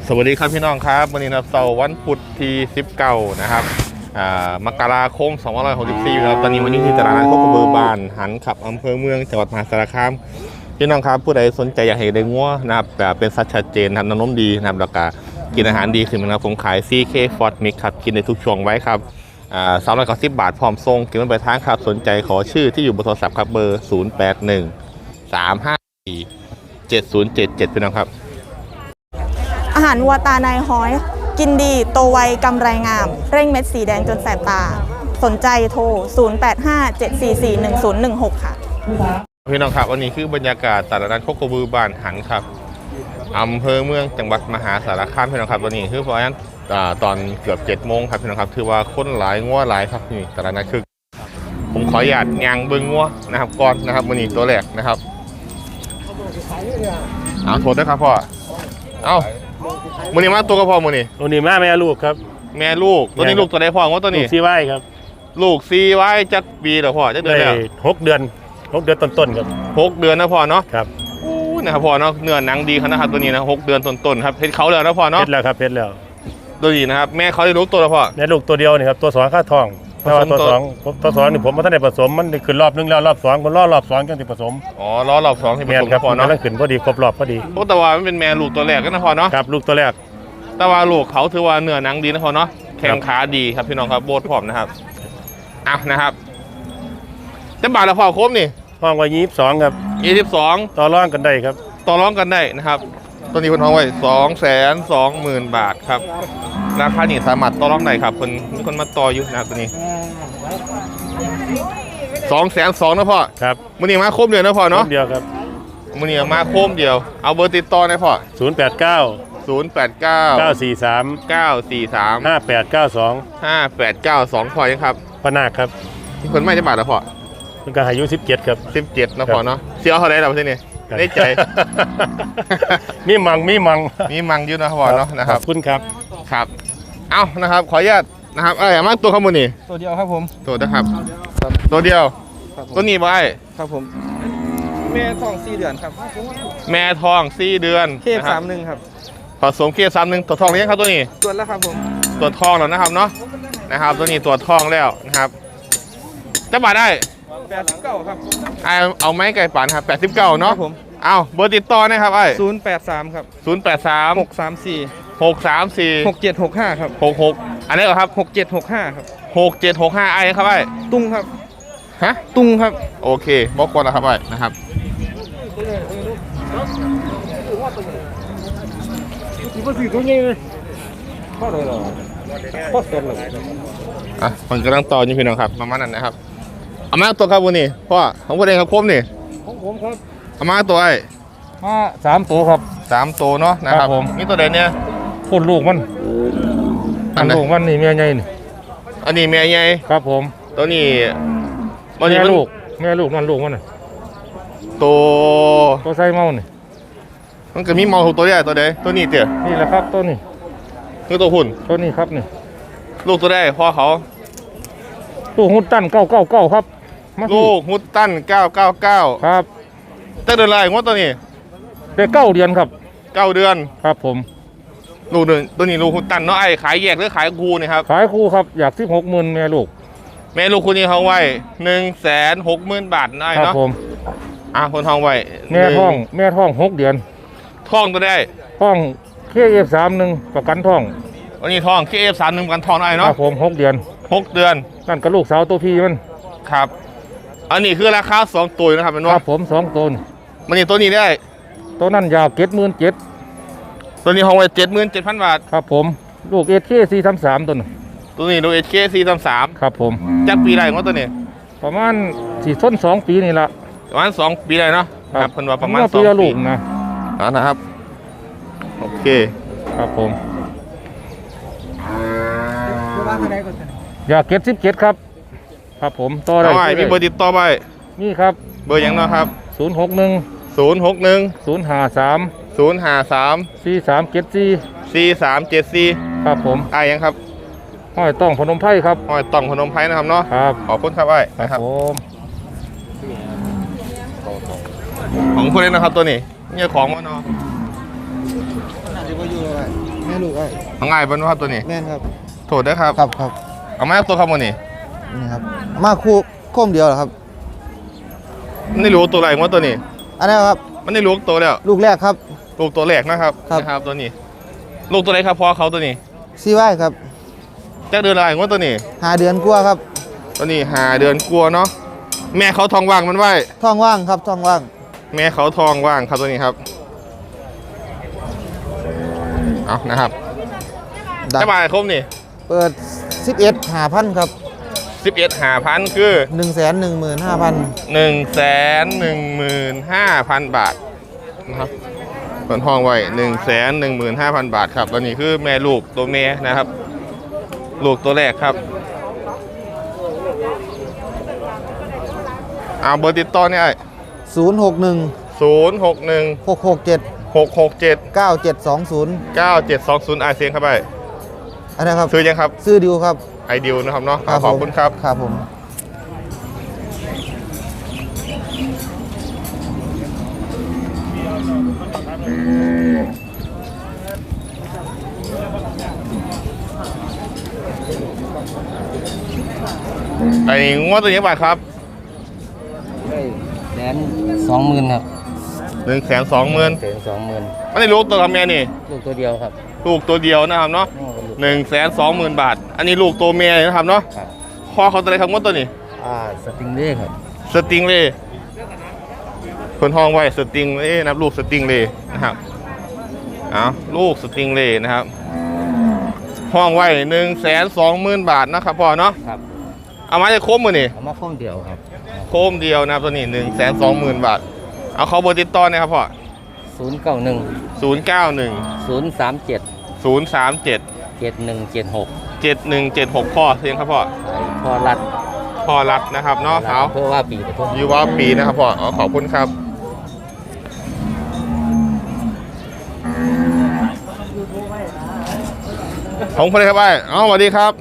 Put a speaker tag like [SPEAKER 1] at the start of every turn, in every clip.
[SPEAKER 1] สวัสดีครับพี่น้องครับวันนี้นะเสาร์วันพุธที่19นะครับมกราคม2564แล้วตอนนี้วันนี้ที่ตลาดนัดโคกระบือบ้านหันขับอำเภอเมืองจังหวัดมหาสารคามพี่น้องครับผู้ใดสนใจอยากเห็นได้งัวนะครับแบบเป็นสัตว์ชัดเจนทำน้ำนมดีนะครับแล้วก็กินอาหารดีขึ้นนะครับผมขาย CK Ford Mix ครับกินในทุกช่วงไว้ครับ390 บาทพร้อมส่งกินมันไปทางครับสนใจขอชื่อที่อยู่บนโทรศัพท์ครับเบอร์0813547077พี่น้องครับ
[SPEAKER 2] อาหารวัวตานายฮ้อยกินดีโตไวกำไรงามเร่งเม็ดสีแดงจนแสบตาสนใจโทร 0857441016 ค่ะ
[SPEAKER 1] พี่น้องครับวันนี้คือบรรยากาศตลาดนัดโคกระบือบ้านหันครับอำเภอเมืองจังหวัดมหาสารคามพี่น้องครับวันนี้คือเพราะฉะนั้นตอนเกือบ7 โมงครับพี่น้องครับถือว่าคนหลายงัวหลายครับนี่ตลาดนัดคือผมขออนุญาตยางเบิ้งงัวนะครับก่อนนะครับวันนี้ตัวแรกนะครับเอาโทษด้วยครับพ่อเอามือนี้มาตัวก็พอมือนี้
[SPEAKER 3] ตัวนี้แม่ลูกครับ
[SPEAKER 1] แม่ลูกตัวนี้ลูกตัวใดพ่อว่าตัวนี้
[SPEAKER 3] ซีไว้ครับ
[SPEAKER 1] ลูกซีไว้จักปีเหรอพ่อจักเดือนแล้ว
[SPEAKER 3] 6 เดือนต้นๆครับ
[SPEAKER 1] 6 เดือนนะพ่อเนาะ
[SPEAKER 3] ครับ
[SPEAKER 1] นะครับพ่อเนาะเนื้อหนังดีขนาดครับตัวนี้นะ6 เดือนต้นๆครับเพชรเขาแล้วนะพ่อเนาะ
[SPEAKER 3] เพชรแล้วครับเพชรแล้ว
[SPEAKER 1] ตัวนี้นะครับแม่เขาได้ลูกตัวแล้วพ่อ
[SPEAKER 3] แม่ลูกตัวเดียวนี่ครับตัว2ค่าทองแต่ว่าตัว2นี่ผมมาท่านได้ผสมมันขึ้นรอบนึงแล้วรอบ2คนรอบ2จังสิผสม
[SPEAKER 1] อ๋อรอบ2ที่ผสมพ่อเนาะ
[SPEAKER 3] ขึ้นพอดีครบรอบพอดี
[SPEAKER 1] แต่ว่ามันเป็นแม่ลูกตัวแรกนะพ่อเนาะ
[SPEAKER 3] ครับลูกตัวแรก
[SPEAKER 1] แต่ว่าลูกเขาถือว่าเนื้อหนังดีนะพ่อเนาะแข้งขาดีครับพี่น้องครับโบดผอมนะครับนะครับจะบาทละพ่อครบนี่
[SPEAKER 3] ห้องไว้22ครับ
[SPEAKER 1] 22
[SPEAKER 3] ต่อรองกันได้ครับ
[SPEAKER 1] ต่อรองกันได้นะครับตัวนี้คนห้องไว้220,000 บาทครับราคานี่สามารถต่อรองได้ครับคนมีคนมาต่ออยู่นะครับตัวนี้220,000นะพ่อ
[SPEAKER 3] ครับ
[SPEAKER 1] มื้อนี้มาครบเดียวนะพ่อเนาะ
[SPEAKER 3] เดียวครับ
[SPEAKER 1] มื้อนี้มาครบเดียวเอาเบอร์ติดต่อได้พ่อ
[SPEAKER 3] 089 943
[SPEAKER 1] 5892พ่อยังครับ
[SPEAKER 3] พนาคครับ
[SPEAKER 1] ที่คนไม่จะบาทละพ่อ
[SPEAKER 3] มันก็อายุ17ครับ
[SPEAKER 1] 17นะพ่อเนาะเสียเขาได้แล้วที่นี่ได้ใจ
[SPEAKER 3] มีมัง
[SPEAKER 1] อยู่นะพ่อเนาะนะครับ
[SPEAKER 3] คุณครับ
[SPEAKER 1] ครับเอ้านะครับขออนุญาตนะครับมาตัวข้อมูลนี่
[SPEAKER 4] ตัวเดียวครับผม
[SPEAKER 1] ตัวนะครับตัวเดียวตัวนี้ไว้
[SPEAKER 4] ครับผมแม่ท้อง4 เดือนครับ
[SPEAKER 1] แม่ท้อง4 เดือน
[SPEAKER 4] เค31ครับ
[SPEAKER 1] ผสมเค31ตัวท้องเลี้ยงครับตัวนี้
[SPEAKER 4] ตัวแล้วครับผม
[SPEAKER 1] ตัวท้องแล้วนะครับเนาะตัวนี้ตัวท้องแล้วนะครับจะบาทได้
[SPEAKER 4] 89ครับ
[SPEAKER 1] เอาไม้ไก่ป่านครับ89เนาะ
[SPEAKER 4] ผม
[SPEAKER 1] เอาเบอร์ติดต่อนะครับ
[SPEAKER 4] 083ครับ
[SPEAKER 1] 083 634
[SPEAKER 4] 6765ครับ
[SPEAKER 1] 66อันนี้เหรอครับ
[SPEAKER 4] 6765ครับ
[SPEAKER 1] 6765ครับไอ้
[SPEAKER 4] ตุ้งครับ
[SPEAKER 1] ฮะ
[SPEAKER 4] ตุ้งครับ
[SPEAKER 1] โอเคบอกก่อนนะครับไอ้นะครับมันกำลังต่ออยู่พี่น้องครับประมาณนั้นนะครับเอามาตัวครับวันนี้พ่อของผมเองครับคมนี่
[SPEAKER 4] ของผมครับ
[SPEAKER 1] เอามาตัวไอ้
[SPEAKER 3] มา3 ตัวครับ
[SPEAKER 1] 3 ตัวเนาะนะครับนี่ตัวเด่นเนี่ย
[SPEAKER 3] คนลูกมันลูกมันนี่แม่ใหญ่นี่
[SPEAKER 1] อันนี้แม่ใหญ่
[SPEAKER 3] ครับผม
[SPEAKER 1] ตัวนี้
[SPEAKER 3] แม่ลูกนั่นลูกมันน่ะตัวไส้เมานี่
[SPEAKER 1] มันก็มีเมาตัวใหญ่ตัวใดตัวนี้เตี๋ย
[SPEAKER 3] นี่แหละครับตัวนี้
[SPEAKER 1] คือตัวหุ่น
[SPEAKER 3] ตัวนี้ครับนี่
[SPEAKER 1] ลูกตัวได้พ่อเขา
[SPEAKER 3] ลูกฮุตตัน999ครับ
[SPEAKER 1] ลูกฮุตตัน999
[SPEAKER 3] ครับ
[SPEAKER 1] แต่เดือนอะไรงวดตัวนี้
[SPEAKER 3] ได้9 เดือนครับ
[SPEAKER 1] 9 เดือน
[SPEAKER 3] ครับผม
[SPEAKER 1] ลูกหนึ่งตัวนี้ลูกฮุตตันเนาะไอ้ขายแยกหรือขายคู่นี่ครับ
[SPEAKER 3] ขายคู่ครับอยาก16,000แม่ลูก
[SPEAKER 1] คู่นี้เขาไว้160,000 บาทได้เนาะ
[SPEAKER 3] ครับผม
[SPEAKER 1] คนทองไว้
[SPEAKER 3] แม่ท้อง6 เดือน
[SPEAKER 1] ท้องตัวได้
[SPEAKER 3] ท้อง KF31 ประกันท้อง
[SPEAKER 1] วันนี้ท้อง KF31 ประกันท้องได้เนาะ
[SPEAKER 3] ครับผม6 เดือนนั่นก็ลูกสาวตัวพี่มัน
[SPEAKER 1] ครับอันนี้คือราคา2 ตัวนะครับเป็นว่า
[SPEAKER 3] ครับผม2 ตัว
[SPEAKER 1] วันนี้ตัวนี้ได้
[SPEAKER 3] ตัวนั้นยาว77,000
[SPEAKER 1] ตัวนี้ห้องไว้77,000 บาท
[SPEAKER 3] ครับผมลูก SK433ตัว
[SPEAKER 1] นี้ลูก SK433
[SPEAKER 3] ครับผม
[SPEAKER 1] จักปีได้ของตัวนี้
[SPEAKER 3] ประมาณ4 2 ปีนี่ละ
[SPEAKER 1] ประมาณ2 ปีได้เนาะครับเพิ่นว่าประมาณ2
[SPEAKER 3] ปีลูก
[SPEAKER 1] นะครับโอเค
[SPEAKER 3] ครับผมอยาก17ครับครับผมต่อได้
[SPEAKER 1] มีเบอร์ติดต่อไป
[SPEAKER 3] นี่ครับ
[SPEAKER 1] เบอร์ยังเนาะครับ
[SPEAKER 3] 061
[SPEAKER 1] 053
[SPEAKER 3] ครับผม
[SPEAKER 1] ยังครับ
[SPEAKER 3] ห้อยต้องพนมไพรครับ
[SPEAKER 1] ห้อยต้องพนมไพรนะครับเนาะ
[SPEAKER 3] ครับ
[SPEAKER 1] ขอบคุณครับไอ้นะครับของคนนี้นะครับตัวนี้เนี่ยของมันเนาะ
[SPEAKER 5] น่าจะอยู่ไอ้แม่ลูกไอ้
[SPEAKER 1] เอาง่ายเป็นว่าตัวนี้
[SPEAKER 5] แม่นครับ
[SPEAKER 1] โทษด้วยครับ
[SPEAKER 5] ครับครับ
[SPEAKER 1] เอามาตัวครับวันนี้
[SPEAKER 5] นี่ครับมาคู่โค้มเดียวเหรอครับ
[SPEAKER 1] มันไม่รู้ตัวอะไรว่าตัวนี้
[SPEAKER 5] อันนี้ครับ
[SPEAKER 1] มันไม่รู้ตัวแล้ว
[SPEAKER 5] ลูกแรกครับ
[SPEAKER 1] ลูกตัวแรกนะครับ
[SPEAKER 5] ครับ
[SPEAKER 1] นะครับตัวนี้ ลูกตัวไหนครับพ่อเขาตัวนี้
[SPEAKER 5] ซีไว้ครับ
[SPEAKER 1] จะเดือนอะไรว่าตัวนี้
[SPEAKER 5] 5 เดือนกว่าครับ
[SPEAKER 1] ตัวนี้5 เดือนกลัวเนาะแม่เขาทองว่างมันไว้
[SPEAKER 5] ท้องว่างครับท้องว่าง
[SPEAKER 1] แม่เขาทองว่างครับตัวนี้ครับเอานะครับ
[SPEAKER 5] ดัง
[SPEAKER 1] จะบายครบนี่
[SPEAKER 5] เปิด 11 5,000 ครับ
[SPEAKER 1] 11,500คือ
[SPEAKER 5] 115,000
[SPEAKER 1] 115,000 บาทนะครับเปิดห้องไว้115,000 บาทครับตัวนี้คือแม่ลูกตัวแม่นะครับ ลูกตัวแรกครับเอาเบอร์ติดต่อเนี่ย
[SPEAKER 5] 061
[SPEAKER 1] 061
[SPEAKER 5] 667
[SPEAKER 1] 667
[SPEAKER 5] 9720
[SPEAKER 1] 9720อาเซียนครับไป
[SPEAKER 5] อันนี้ครับ
[SPEAKER 1] ซื้อยังครับ
[SPEAKER 5] ซื้อดิวครับ
[SPEAKER 1] ไอเดียนะครับเนาะขอบคุณครับ
[SPEAKER 5] ครับผม
[SPEAKER 1] ไอ้งวดตัวนี้บาทครับ
[SPEAKER 6] 120,000ครับ
[SPEAKER 1] 120,000
[SPEAKER 6] 120,000
[SPEAKER 1] ไม่ได้ลูกตัวทำไงนี่
[SPEAKER 6] ลูกตัวเดียวครับ
[SPEAKER 1] ลูกตัวเดียวนะครับเนาะ
[SPEAKER 6] น้องกับลูก
[SPEAKER 1] 120,000 บาท อันนี้ลูกตัวเมียนะครับเนาะ
[SPEAKER 6] ครับ
[SPEAKER 1] พ่อเขาตัวอะไรครับงวดตัวนี้
[SPEAKER 6] สติงเล่ครับ
[SPEAKER 1] สติงเล่คนห้องไว้สติงเล่นะครับลูกสติงเล่นะครับเอาลูกสติงเล่นะครับห้องไว้120,000 บาทนะครับพ่อเนาะ
[SPEAKER 6] ครับ
[SPEAKER 1] เอามาจะครบมือนี่
[SPEAKER 6] เอามาข้อมเดียวครับ
[SPEAKER 1] โคมเดียวนะครับตัวนี้120,000 บาทเอาเขาเบอร์ติดต่อนะครับพ่อ
[SPEAKER 6] 091
[SPEAKER 1] 091
[SPEAKER 6] 037
[SPEAKER 1] 037
[SPEAKER 6] 7176
[SPEAKER 1] 7176พ่อเสียงครับพ่อ
[SPEAKER 6] พอรัด
[SPEAKER 1] พ่อรัดนะครับเนาะเขา
[SPEAKER 6] เพื่อว่าปีปทุม
[SPEAKER 1] ยูวาปีนะครับพ่ออ๋อขอบคุณครับของคนไหนครับไอ้อ๋อสวัสดีครับ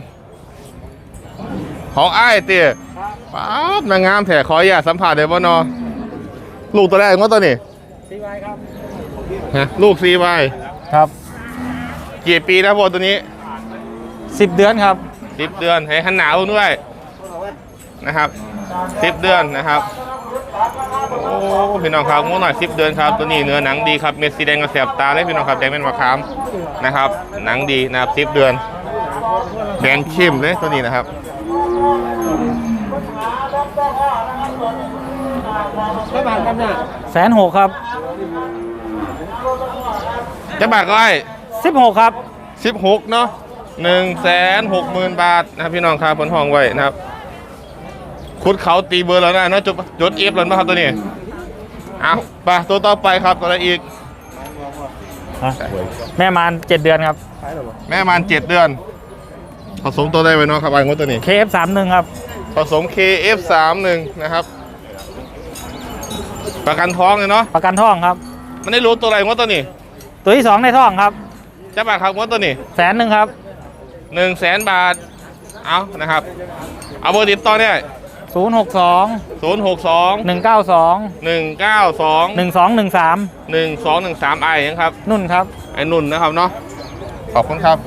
[SPEAKER 1] ของไอ้เตี๋ยป๊าบนางงามแถขออย่าตสัมผัสเดี๋ยวบ่นอลูกตัวแรกว่าตัวนี้ซีวายครับฮะลูกซีวาย
[SPEAKER 4] ครับ
[SPEAKER 1] กี่ปีนะพ่อตัวนี้
[SPEAKER 4] 10 เดือนครับ
[SPEAKER 1] 10 เดือนให้หันหนาวด้วยนะครับ10 เดือนนะครับโอ้พี่น้องครับงวหน่อย10 เดือนครับตัวนี้เนื้อหนังดีครับเม็ดสีแดงกระแสบตาเลยพี่น้องครับแดงเป็นมะขามนะครับหนังดีนะครับ10 เดือนแดงเข้มเลยตัวนี้นะครับ
[SPEAKER 4] 160,000ครับ
[SPEAKER 1] จะบาทก็ไอ้
[SPEAKER 4] 16ครับ
[SPEAKER 1] 16เนาะ160,000 บาทนะครับพี่น้องครับผลห้องไว้นะครับคุดเขาตีเบอร์แล้วนะเนาะจดเอฟแล้วนะครับตัวนี้เอาไปตัวต่อไปครับตัวอะไรอีก
[SPEAKER 4] แม่มาน7 เดือนครับ
[SPEAKER 1] แม่มัน7 เดือนผสมตัวได้ไว้เนาะครับไอ้งวดตัวนี้
[SPEAKER 4] KF31 ครับ
[SPEAKER 1] ผสม KF31 นะครับประกันท้องเลยเนาะ
[SPEAKER 4] ประกันท้องครับ
[SPEAKER 1] มันได้รู้ตัวอะไรงวดตัวนี้
[SPEAKER 4] ตัวที่ 2 ในท้องครับ
[SPEAKER 1] จะบาทครับงวดตัวนี้
[SPEAKER 4] 100,000ครับ
[SPEAKER 1] 100,000 บาทเอานะครับเอาเบอร์ติดต่อเนี่ย
[SPEAKER 4] 062
[SPEAKER 1] 062
[SPEAKER 4] 192
[SPEAKER 1] 192
[SPEAKER 4] 1213
[SPEAKER 1] 1213ไอ้ยังครับ
[SPEAKER 4] นุ่นครับ
[SPEAKER 1] ไอ้นุ่นนะครับเนาะขอบคุณครับ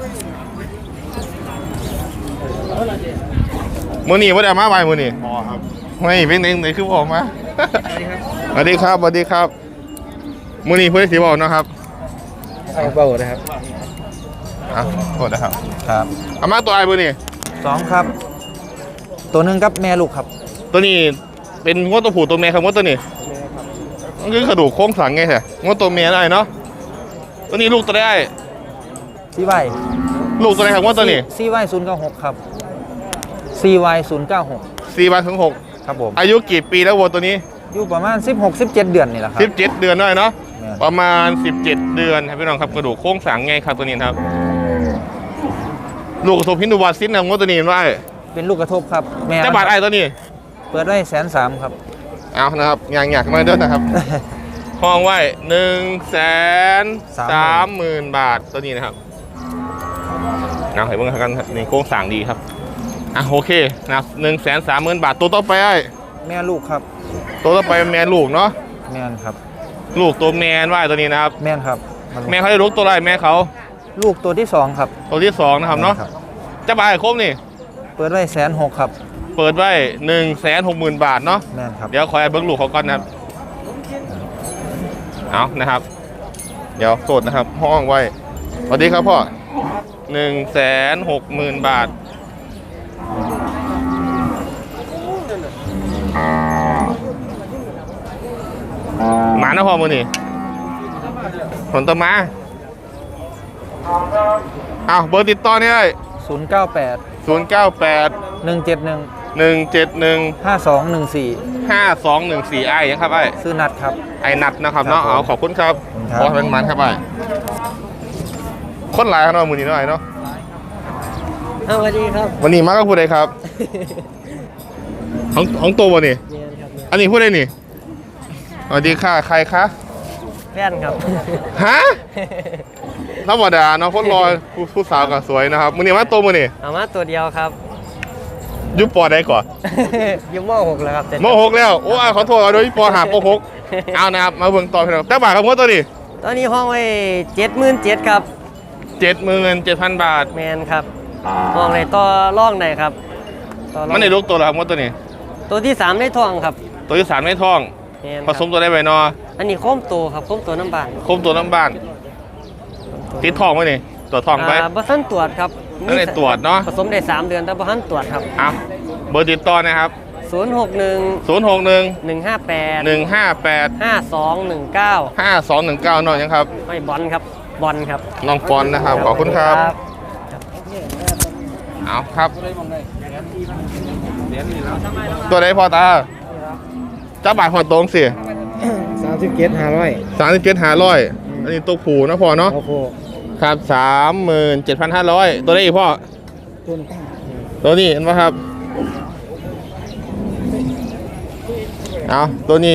[SPEAKER 1] มือหนีว่าเดี๋ยวมาไปมือหนีไม่เป็นไหนคือบอกมาสวัสดีครับสวัสดีครับมือหนีเพื่อนสีบอกนะครับ
[SPEAKER 6] เบาเลยครับ
[SPEAKER 1] อ่ะโทษนะครับ
[SPEAKER 5] ครับ
[SPEAKER 1] เอามาตัวไอ้มือหนี
[SPEAKER 5] 2ครับ ตัวหนึงครับแม่ลูกครับ
[SPEAKER 1] ตัวนี้เป็นงวดตัวผู้ตัวเมียครับงวดตัวนี้มันคือกระดูกโค้งสังไงแท้งวดตัวเมียได้เนาะตัวนี้ลูกตัวได้
[SPEAKER 5] ซีไว้
[SPEAKER 1] ลูกตัวไหนครับงวดตัวนี้
[SPEAKER 5] ซีไว้096ครับซีไว้096
[SPEAKER 1] 4 วันถึง
[SPEAKER 5] ครับผม
[SPEAKER 1] 6อายุกี่ปีแล้ววัวตัวนี้
[SPEAKER 5] อยู่ประมาณ16-17 เดือนนี่แหละครับ
[SPEAKER 1] 17 เดือนได้เนาะ
[SPEAKER 5] แม่น
[SPEAKER 1] ประมาณ 17 เดือนครับพี่น้องครับกระดูกโค้งสังไงครับตัวนี้ครับลูกกระทบพินดูวาซินนะงวดตัวนี้ว่า
[SPEAKER 5] เป็นลูกกระทบครับแม่
[SPEAKER 1] จะบาทไอ้ตัวนี้
[SPEAKER 5] เปิดไว้130,000ครับ
[SPEAKER 1] เอานะครับอย่างอยากมาเด้อนะครับ ห้องไว้130,000 บาทตัวนี้นะครับเอาให้เบิ่งกันครับนี่โค้งสั่งดีครับอ่ะโอเคนะครับ130,000 บาทตัวต่อไปไอ้
[SPEAKER 5] แม่ลูกครับ
[SPEAKER 1] ตัวต่อไปแมนลูกเนาะ
[SPEAKER 5] แม่นครับ
[SPEAKER 1] ลูกตัวแมนว่าตัวนี้นะครับ
[SPEAKER 5] แม่นครับ
[SPEAKER 1] แม่เขาได้ลูกตัวไรแม่เขา
[SPEAKER 5] ลูกตัวที่ 2 ครับ
[SPEAKER 1] ตัวที่ 2นะครับเนาะจะบายครบนี่
[SPEAKER 5] เปิดไว้160,000ครับ
[SPEAKER 1] เปิดไว้ 160,000 บาทเนาะ
[SPEAKER 5] แม่นครับ
[SPEAKER 1] เดี๋ยวขอให้เบิ้งลูกเขาก่อนนะครับเอานะครับ เดี๋ยวสดนะครับห้องไว้สวัสดีครับพ่อ 160,000 บาทหมานะพ่อมือนี่ผลตมาเอาเบอร์ติดต่อนี่เลย
[SPEAKER 5] 098
[SPEAKER 1] 098
[SPEAKER 5] 171
[SPEAKER 1] 171
[SPEAKER 5] 5214
[SPEAKER 1] 5214ไอ้ยังครับไอ้
[SPEAKER 5] ซื้อนัดครับ
[SPEAKER 1] ไอ้นัดนะครับเนาะ
[SPEAKER 5] ครับผม
[SPEAKER 1] เอาขอบคุณครับ
[SPEAKER 5] ครับ
[SPEAKER 1] ขอให้เป็นมันครับไอ้คนหลายครับเนาะมือนี้เนาะไอ้เนาะ
[SPEAKER 6] สวัสดีครับ
[SPEAKER 1] วันนี้มาก็พูดอะไรครับ ของตัวบ่นี่อันนี้พูดอะไรนี่สวัสดีค่ะใครคะ
[SPEAKER 6] แฟนครับ
[SPEAKER 1] ฮะธรรมดาเนาะคนรอผู้สาวก็สวยนะครับมือนี้มาตัวมือนี่
[SPEAKER 6] เอามาตัวเดียวครับ
[SPEAKER 1] ยุบปอได้ก่อน
[SPEAKER 6] ยุ่ม6แล้วครับ
[SPEAKER 1] ม6แล้วโอ้ยขอโทษเอาโดยปอหาปอ6เอานะครับมาเบิ่งต่อพี่น้องแต่บาทครับงวดตัวนี้
[SPEAKER 6] ตอนนี้ห้องไว้77,000ครับ
[SPEAKER 1] 77,000 บาท
[SPEAKER 6] แมนครับห้องไหนต่อร่องไหนครับต่อร่อง
[SPEAKER 1] มันในลูกตัวแล้วครับงวดตัวนี้
[SPEAKER 6] ตัวที่3ได้ทองครับ
[SPEAKER 1] ตัวที่3ไม่ท้อง
[SPEAKER 6] แมน
[SPEAKER 1] ผสมตัวได้ไว้เนาะ
[SPEAKER 6] อันนี้โค้มโตครับโค้มโตน้ำบาน
[SPEAKER 1] คมตัวน้ำบ้านติดทองไหมนี่ตัวทองไป
[SPEAKER 6] บ่ทันตรวจครับ
[SPEAKER 1] ไม่ได้ตรวจเนาะ
[SPEAKER 6] ผสมได้3 เดือนแต่บ่ทันตรวจครับ
[SPEAKER 1] เอาเบอร์ติดต่อนะครับ
[SPEAKER 6] 061
[SPEAKER 1] 061
[SPEAKER 6] 158
[SPEAKER 1] 158
[SPEAKER 6] 5219
[SPEAKER 1] 5219น้องยังครับ
[SPEAKER 6] ไม่บอลครับบอลครับ
[SPEAKER 1] น้องปอนนะครับขอบคุณครับเอาครับ ตัวไหนพอตาจ้าบาทพอตรงสิ37,500อันนี้ตัวผูนะพอเนาะครับ37,500ตัวได้อีกพ่อตัวนี้เห็นไหมครับเอาตัวนี้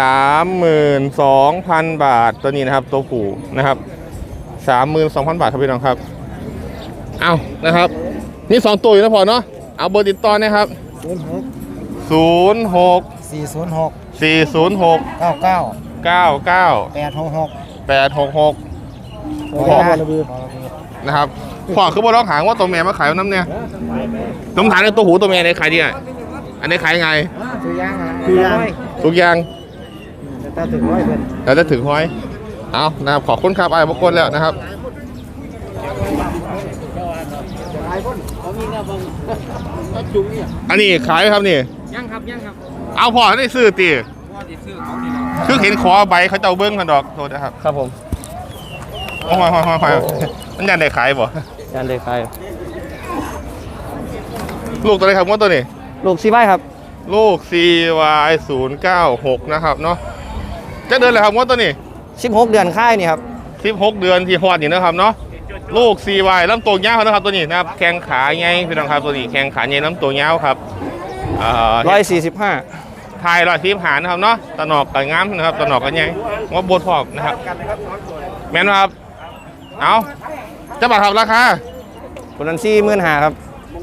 [SPEAKER 1] 32,000 บาทตัวนี้นะครับตัวผูนะครับ 32,000 บาทครับพี่น้องครับเอานะครับนี่2ตัวอยู่นะพอเนาะเอาเบอร์ติดต่อนะครับ06 406 99 866นะครับพ่อคือบ่ร้องหางว่าตัวแม่มาขายน้ำเนี่ยน้ำถามในตัวหูตัวแม่ในขายดีอ่ะอันนี้ขายไงทุกอย่างแล้วจะถึงห้อยเอานะครับขอบคุณครับไอ้บกวนแล้วนะครับอันนี้ขายไหมครับนี่ยังครับเอาพ่อได้ซื้อตีคือเห็นขอใบเขาเจ้าเบิ้งกันดอกโทษนะครับ
[SPEAKER 5] ครับผม
[SPEAKER 1] โอ้ยมันยันได้ขายบ่
[SPEAKER 5] ยันเลยใคร
[SPEAKER 1] ลูกตัวไหนครับงวดตัวนี้
[SPEAKER 5] ลูกซีไว้ครับ
[SPEAKER 1] ลูก CY096 นะครับเนาะจะเดือนอะไรครับงวดตัวนี้
[SPEAKER 5] 16 เดือนค่ายนี่ครับ
[SPEAKER 1] 16 เดือนที่ฮอดนี่นะครับเนาะลูก CY ลำตัวยาวนะครับตัวนี้นะครับแข้งขาใหญ่พี่น้องครับตัวนี้แข้งขาใหญ่ลำตัวยาวครับ
[SPEAKER 5] 145
[SPEAKER 1] ทาย145นะครับเนาะตะหนอกกับงามนะครับตะหนอกกับใหญ่ว่าบดพอกนะครับแม่นครับเอาจะบัตรครับราคา
[SPEAKER 5] ตัวนั้น45,000ครับ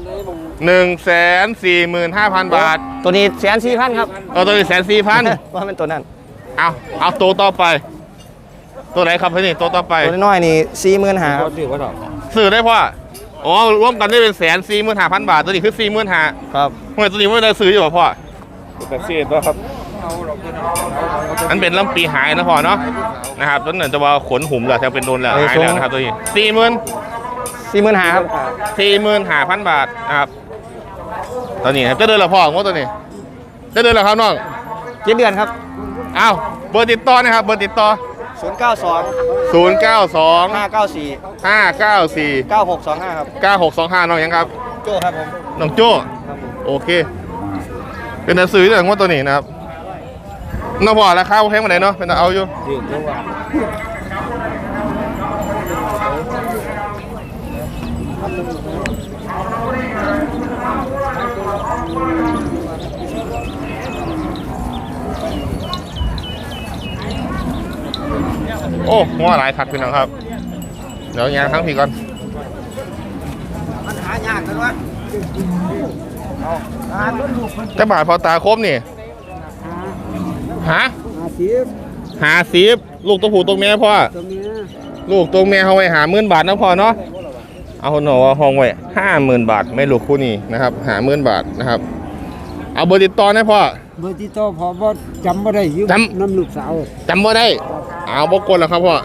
[SPEAKER 1] 145,000 บาท
[SPEAKER 5] ตัวนี้140,000ครับ
[SPEAKER 1] ตัวนี้140,000
[SPEAKER 5] ว่าเป็นตัวนั้น
[SPEAKER 1] เอาตัวต่อไป ตัวไหนครับพี่นี่ตัวต่อไป
[SPEAKER 5] ตัวน้อยนี่45,000ครับ
[SPEAKER 1] ซื้อได้พ่ออ๋อรวมกันได้เป็น145,000 บาทตัวนี้คือ45,000
[SPEAKER 5] ครับ
[SPEAKER 1] ทำไมตัวนี้ไม่ได้ซื้ออยู่ป่ะพ่ออันเป็นลำปีหายนะพ่อเนาะนะครับต้นนั้นจะว่าขนหุ่มแล้วจะเป็นโดนแล้วหายแล้วนะครับตัวนี้
[SPEAKER 5] 45,000ครับ
[SPEAKER 1] 45,000 บาทนะครับตัวนี้ครับจะเดินละพ่อว่าตัวนี้จะเดินละครับน้อง
[SPEAKER 5] 7 เดือนครับ
[SPEAKER 1] อ้าวเบอร์ติดต่อนะครับเบอร์ติดต่อ
[SPEAKER 5] 092
[SPEAKER 1] 092
[SPEAKER 5] 594
[SPEAKER 1] 594
[SPEAKER 5] 9625ครับ
[SPEAKER 1] 9625น้องยังครับ
[SPEAKER 5] โจ้ครับผม
[SPEAKER 1] น้องโจ้โอเคเป็นหนังสือเรื่องว่าตัวนี้นะครับน้องพ่อราคาแพงมาไหนเนาะเป็นเอาอยู่โอ้หัวหลายคักพี่น้องครับเดี๋ยวยางทั้งพี่ก่อนจะบาทพอตาครบนี่50ลูกตัวผู้ตัวเมียพ่อลูกตัวแม่เขาไว้50,000 บาทนะพ่อเนาะเอาหน่อห้องไว้50,000 บาทไม่ลูกคู่นี้นะครับ50,000 บาทนะครับเอาเบอร์ติดต่อนะพ่อ
[SPEAKER 7] เบอร์ที่โตอพอบ่จำบ่ได้อยู่น้ำลูกสาว
[SPEAKER 1] จำบ่ได้เอาบ่กดแล้วครับพ่อ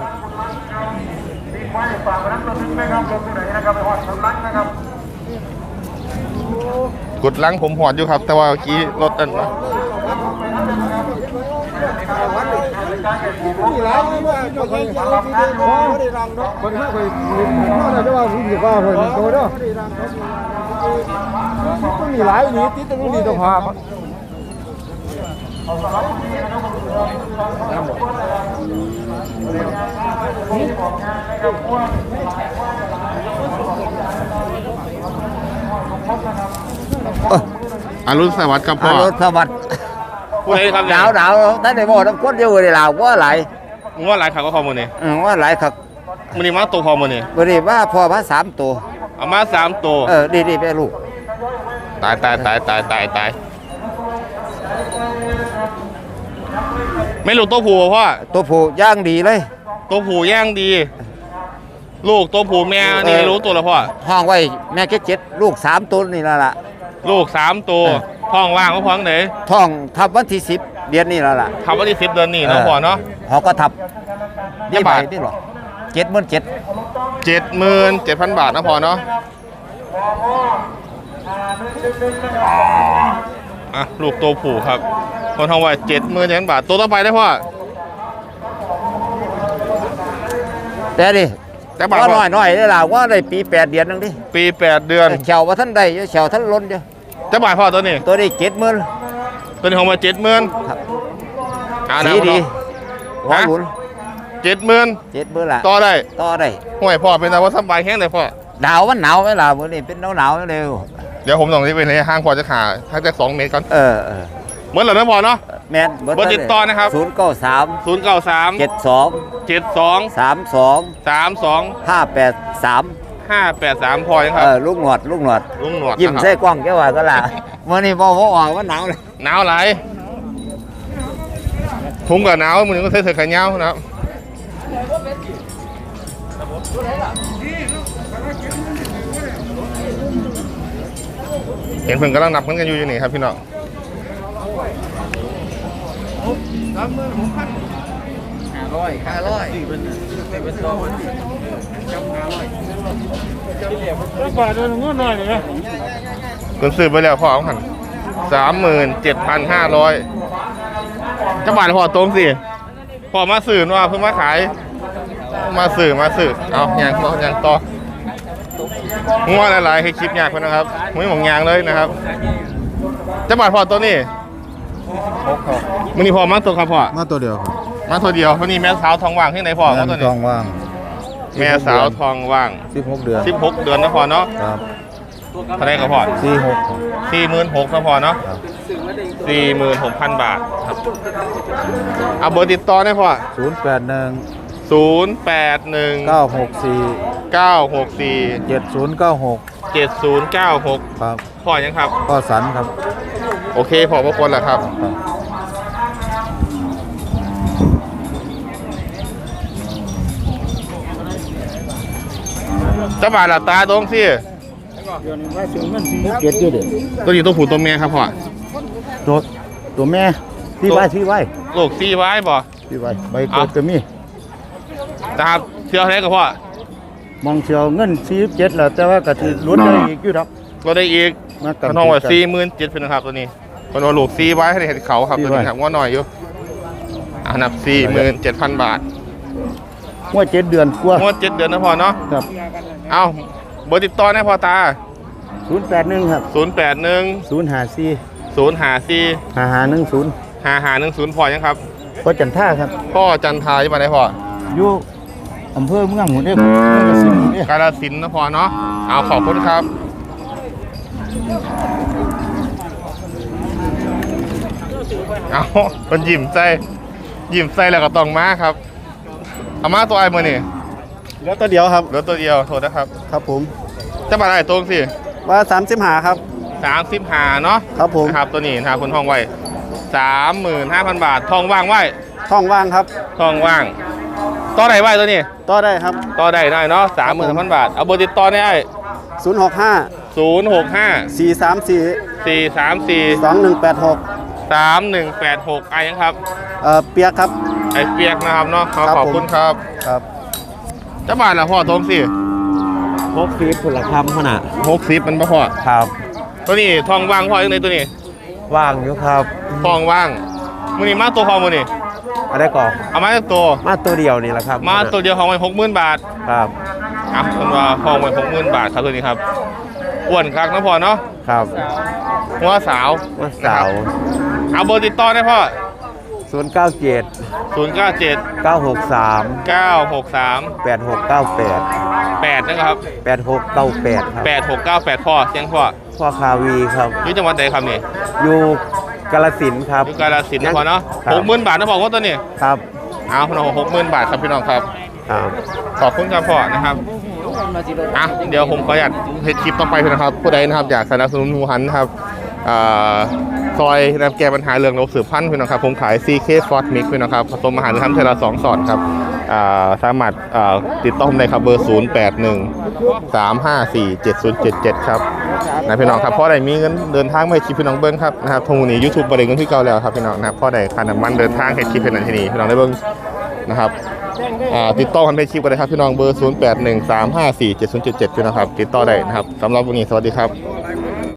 [SPEAKER 1] กดลังผมหอดอยู่ครับ แต่ว่าเมื่อกี้รถอันนะ
[SPEAKER 7] มีหลายว่าจะเคยเอาที่เดียวบ่ได้รังเนาะคนเฮาไปว่าจะว่าผมสิว่าเพิ่นโตเด้อมันมีหลายนี่ติดตรงนี้ต้องพา
[SPEAKER 1] อรุณสวัสดิ์ครับพ่อ
[SPEAKER 5] รถสวัสดิ์
[SPEAKER 1] ผู้ใดครับ
[SPEAKER 5] หนาวท่านได้บอกน้ำก้นเดียวเลยลาวว่าหลาย
[SPEAKER 1] มึงว่าหลายขับก็พอมือนี่
[SPEAKER 5] ว่าหลายครับ
[SPEAKER 1] มือนี่มาตัวพอมือนี่
[SPEAKER 5] บริว่าพอมา3 ตัว
[SPEAKER 1] เอามา3 ตัว
[SPEAKER 5] ดีไปลูก
[SPEAKER 1] ตายไม่ลูกตัวผู้พ่อ
[SPEAKER 5] ตัวผู้ย่างดีเลย
[SPEAKER 1] ตัวผู้ย่างดี ลูกตัวผู้แม่นี่รู้ตัวแล้วพ่อ
[SPEAKER 5] ห้องไว้แม่แค่7ลูก3 ตัวนี่ละล่ะ
[SPEAKER 1] ลูก3 ตัวท้องว่างก็พ้องไหน
[SPEAKER 5] ท้องทับวันที่10 เดือนนี้ละล่ะ
[SPEAKER 1] ทำวันที่10 เดือนนี้เนาะพ่อเนาะ
[SPEAKER 5] เขาก็ทับ
[SPEAKER 1] กี่บาท
[SPEAKER 5] นี่หรอ77,000
[SPEAKER 1] 77,000 บาทนะพ่อเนาะอ่ะลูกตัวผู้ครับคนทองไว้77,000 บาทตัวต่อไปได้พ่อ
[SPEAKER 5] แต่ดิ
[SPEAKER 1] แต่บาท
[SPEAKER 5] ว่า
[SPEAKER 1] พ่อ
[SPEAKER 5] น้อยได้ล่ะว่าได้ปี8 เดือนนึงดิ
[SPEAKER 1] ปี8 เดือน
[SPEAKER 5] เฉาว่าท่านได้เฉาท่านล้นเดียว
[SPEAKER 1] แต่บาทพ่อตัวนี้
[SPEAKER 5] ตัวนี้70,000
[SPEAKER 1] ตัวนี้ของมา70,000
[SPEAKER 5] ครับ
[SPEAKER 1] อ่า
[SPEAKER 5] สีดีหัวหลุน
[SPEAKER 1] 70,000
[SPEAKER 5] ละ
[SPEAKER 1] ต่อได้
[SPEAKER 5] ต่อได้
[SPEAKER 1] ห่วยพ่อเป็นแต่ว่าสบายแห้งเลยพ่อ
[SPEAKER 5] หนาวมันหนาวไหมล่ะมื้อนี้เป็นหนาวเร็ว
[SPEAKER 1] เดี๋ยวผมต้องรีบไปเลยห้างพอจะขาถ้าจะ2 เมตรก่อน เหมือนเหรอนะพ่อเนาะ
[SPEAKER 5] แม่น
[SPEAKER 1] เบอร์ติดต่อนะครับ
[SPEAKER 5] 093
[SPEAKER 1] 093
[SPEAKER 5] 72
[SPEAKER 1] 32
[SPEAKER 5] 32 583
[SPEAKER 1] 583พอยังครับ
[SPEAKER 5] ลูกหนวด
[SPEAKER 1] ลุงหนวด
[SPEAKER 5] ยิ้ม
[SPEAKER 1] นะครับ
[SPEAKER 5] ใส่กล้องแกว่าก็ล่ะมื้อนี้บ่ออกว่าหนาวเลย
[SPEAKER 1] หนาวหลายผมกับหนาวมือนึงก็ใส่เสื้อแขนยาวนะครับเห็นเพิ่นกำลังนับเงินกันอยู่นี่ครับพี่น้องคนซื้อไปแล้วพ่อเอาหัน37,500จะบาทพ่อตรงสิพ่อมาสื่อว่าเพิ่งมาขายมาสื่อเอาอย่างต่องัวหลายๆให้คลิปยากคนนะครับไม่หมองยางเลยนะครับจะบาทพ่อตัวนี้มันนี่พ่อมาตัวครับพ่อ
[SPEAKER 8] มาตัวเดียวครับ
[SPEAKER 1] มาตัวเดียววันนี้แม่สาวทองว่างที่ไหนพ่อเขาตัว
[SPEAKER 8] ท
[SPEAKER 1] นี้
[SPEAKER 8] องว่าง
[SPEAKER 1] แม่สาวทองว่าง
[SPEAKER 8] 16 เดือน
[SPEAKER 1] 16 เดือนนะพ่อเนาะ
[SPEAKER 8] ครับ
[SPEAKER 1] เท่าไหรครับพ่อ 46,000นะพ่อเนาะ
[SPEAKER 8] ครับ
[SPEAKER 1] 46,000 บาทครับเอาเบอร์ติดต่อได้พ่อ
[SPEAKER 8] 081
[SPEAKER 1] 081
[SPEAKER 8] 964
[SPEAKER 1] 964
[SPEAKER 8] 7096
[SPEAKER 1] 7096
[SPEAKER 8] ครับ
[SPEAKER 1] พ่อยังครับ
[SPEAKER 8] ก็สันครับ
[SPEAKER 1] โอเคพอพระคนแหละครับ
[SPEAKER 8] ครับ
[SPEAKER 1] จะบาดหลับตาตรงสิ
[SPEAKER 7] เจ็ดอยู่เด้อ
[SPEAKER 1] ตัวนี้ตัวผู้ตัวเมียครับพ่อ
[SPEAKER 7] ตัวแม่ที่ไว้
[SPEAKER 1] โลกซีไว้บ่
[SPEAKER 7] ใบเกิดก็มี
[SPEAKER 1] นะครับเชื่ออะไรกับพ่อ
[SPEAKER 7] มองเชียวเงิน47แล้วแต่ว่าก็สิลุ้นได้อีกอยู่ดอก
[SPEAKER 1] เราได้อีก
[SPEAKER 7] มากัน
[SPEAKER 1] น้องว่า47,000เป็นนะครับตัวนี้คนว่าลูกซีไว้ให้เห็นเขาครับตัวนี้ครับว่าหน่อยอยู่อันดับ47,000 บาท
[SPEAKER 7] หัว7 เดือนกว่า
[SPEAKER 1] งวด7 เดือนนะพ่อเนาะ
[SPEAKER 7] ครับ
[SPEAKER 1] เอาเบอร์ติดต่อได้พ่อตา
[SPEAKER 7] 081ครับ
[SPEAKER 1] 081
[SPEAKER 7] 054
[SPEAKER 1] 054
[SPEAKER 7] 5510
[SPEAKER 1] 5510พ่อยังครับ
[SPEAKER 7] พ่อจันท่าครับ
[SPEAKER 1] พ่อจันทาอยู่มาได้พ่อ
[SPEAKER 7] อยู่อำเภอเมืองหัวเด้อเมืองกสิณเด้อก
[SPEAKER 1] าฬสินธุ์นะพ่อเนาะเอาขอบคุณครับเอาคนยิ้มใจแล้วก็ต้องมาครับเอามาตัวไอ้มือนี่
[SPEAKER 7] แล้วตัวเดียวครับ
[SPEAKER 1] เหลือตัวเดียวโทษนะครับ
[SPEAKER 7] ครับผม
[SPEAKER 1] จะมาได้ตรงสิ
[SPEAKER 7] ว่า35ครับ
[SPEAKER 1] 35เนาะ
[SPEAKER 7] ครับผม
[SPEAKER 1] นะครับตัวนี้นะครับคุณทองไว้35,000 บาททองว่างไว้
[SPEAKER 7] ท้องว่างครับ
[SPEAKER 1] ทองว่างต่อได้ไว้ตัวนี้
[SPEAKER 7] ต่อได้ครับ
[SPEAKER 1] ต่อได้หน่อยเนาะ30,000 บาทเอาเบอร์ติดต่อได้ไอ้
[SPEAKER 7] 065
[SPEAKER 1] 065
[SPEAKER 7] 434
[SPEAKER 1] 434
[SPEAKER 7] 2186
[SPEAKER 1] 3186ไอ้ยังครับ
[SPEAKER 7] เปียกครับ
[SPEAKER 1] ไอ้เปียกนะครับเนาะ
[SPEAKER 7] ครับ
[SPEAKER 1] ขอบคุณครับ
[SPEAKER 7] ครับ
[SPEAKER 1] เจ้าบ้านละพ่อทมสิ
[SPEAKER 5] 60ผลคำขนาด
[SPEAKER 1] 60มันบ่พอ
[SPEAKER 5] ครับ
[SPEAKER 1] ตัวนี้ทองว่างพ่อยังไงตัวนี้
[SPEAKER 5] ว่างอยู่ครับ
[SPEAKER 1] ทองว่างมื้อนี้มาตัวพอมื้อนี้
[SPEAKER 5] อะไรก่อน
[SPEAKER 1] เอามาตัว
[SPEAKER 5] มาตัวเดียวนี่แหละครับ
[SPEAKER 1] มาตัวเดียวของมัน60,000 บาท
[SPEAKER 5] ครับ
[SPEAKER 1] อ่ะคนว่าทองมัน60,000 บาทครับตัวนี้ครับอ้วนคักนะพ่อเนาะ
[SPEAKER 5] ครับ
[SPEAKER 1] หัวสาว
[SPEAKER 5] วันเสาร์
[SPEAKER 1] เอาเบอร์ติดต่อได้พ่อ
[SPEAKER 5] 097
[SPEAKER 1] 097
[SPEAKER 5] 963
[SPEAKER 1] 963
[SPEAKER 5] 8698
[SPEAKER 1] 8นะครับ
[SPEAKER 5] 8698ครับ
[SPEAKER 1] 8698พ่อเสียงพ่อ
[SPEAKER 5] พ่อคาวีครับ
[SPEAKER 1] อยู่จังหวัดไหนครับนี่
[SPEAKER 5] อยู่กาฬสินธุ์ครับ
[SPEAKER 1] อยู่กาฬสินธุ์นะพ่อเนาะ
[SPEAKER 5] ครับ
[SPEAKER 1] 60,000 บาทนะพ่อว่าตัวนี้
[SPEAKER 5] ครับ
[SPEAKER 1] เอาพี่น้อง60,000 บาทครับพี่น้องครับ
[SPEAKER 5] ครับ
[SPEAKER 1] ขอบคุณครับพ่อนะครับอ่ะเดี๋ยวผมขออนุญาตเฮ็ดคลิปต่อไปนะครับผู้ใดนะครับอยากสนับสนุนหมูหันนะครับซอยนำแก้ปัญหาเรื่องโรคสืบพันธุ์พี่น้องครับผมขาย CK Ford Mix พี่น้องครับผสมอาหารทำเทละ2 สอดครับสามารถติดต่อผมได้ครับเบอร์ 0813547077 ครับนะพี่น้องครับพ่อใดมีเงินเดินทางมาให้คลิปพี่น้องเบิ้งครับนะครับทุกวันนี้ YouTube บริเงินที่เก่าแล้วครับพี่น้องนะครับพ่อใดค่าน้ำมันเดินทางให้คลิปเป็นอันที่นี้พี่น้องได้เบิ้งนะครับติดต่อกันไปคลิปกันเลยครับพี่น้องเบอร์ 0813547077 พี่น้องครับติดต่อได้นะครับสำหรับวันนี้สวัสดีครับ